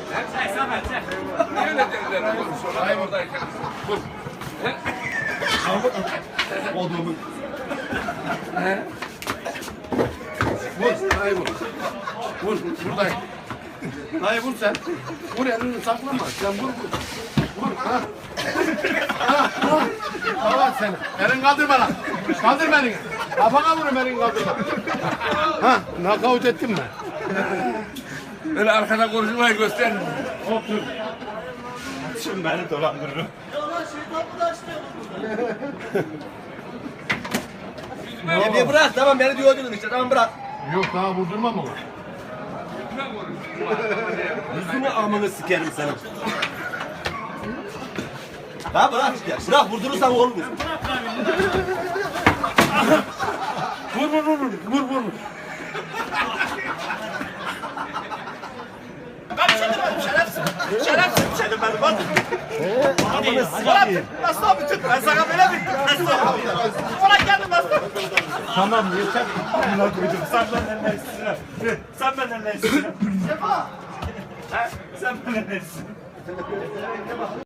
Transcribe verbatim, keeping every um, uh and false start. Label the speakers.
Speaker 1: Çek Samet çek.
Speaker 2: Niye öyle dediler? Hayır buradayken. Vur.
Speaker 3: Olduğumu.
Speaker 2: Vur. Hayır vur. Vur. Buradayım. Hayır vur sen. Vur elini saklama. Sen vur vur. Vur. Ha. Ha. Ha. Tamam sen. Elini kaldır bana. Kaldır beni. Kafana vurun elini kaldırma. Ha. Nakavut ettin mi? Öyle arkada konuşmayı göster.
Speaker 3: Otur. Şimdi beni dolandırırım.
Speaker 4: Ya bir bırak tamam beni diyordun işte tamam bırak.
Speaker 2: Yok daha vurdurma mı?
Speaker 4: Yüzünü amını sikerim senin. Ha bırak işte. Bırak vurdurursan olmuyor.
Speaker 2: Vur vur vur vur vur vur.
Speaker 4: Ben bir şey demedim şerefsiz. Şerefsiz bir şey demedim bak. Amını sikerim. Nasıl abi tut ben sana böyle bittim. Nasıl? Ulan geldim nasıl?
Speaker 3: Tamam yeter. Buna koydum. Sen benden ne istiyorsun? Sen benden ne istiyorsun? Sen benden ne istiyorsun?